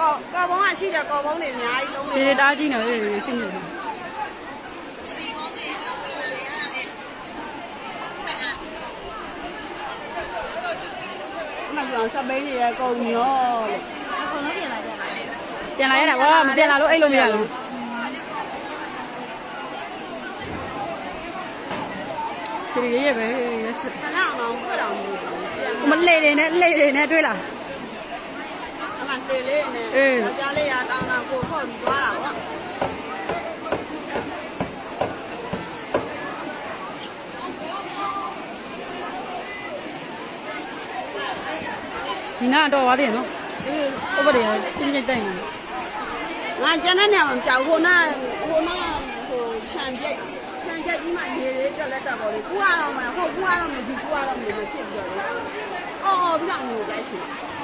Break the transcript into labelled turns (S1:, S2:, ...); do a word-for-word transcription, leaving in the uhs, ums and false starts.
S1: ကော်ဘုံကရှိတယ်ကော်ဘုံတွေအများကြီးလုံးနေ
S2: ခြေတားကြည့်နေလေရှင်းနေတယ်
S1: မပြောစပိန်တွေလည်းကုန်ရောလို့အကုန်လုံးပြင်လာကြပါလေ
S2: ပြန်လာရတာဘောမပြန်လာလို့အဲ့လိုမရဘူးခြေရရပဲရက်စ
S1: ခဏအောင်တော့တွေ့တော့မလို့ပြန်
S2: မလေတွေနဲ့လေတွေနဲ့တွေ့လား
S1: အမှတေလေးနဲ့ယောက်ျားလေးရတောင်းတာကိုဖောက်ပြီးသွားတာပေါ့
S2: ဒီနာတော့သွားတယ်နော်ဥပဒေပြင်းပြင်းတိုက်နေ
S1: ငါကျန်တဲ့နေရာမှာကြောက်ဟိုနာဟိုနာဟိုခြံပြိတ်ခြံချက်ကြီးမှရေလေးတက်လက်တက်ပေါ်လေးကူရတော့မလားဟုတ်ကူရတော့မဒီကူရတော့မလို့ဖြစ်ပြီးတော့အော်ပြီးတော့ငိုလိုက်ရှင်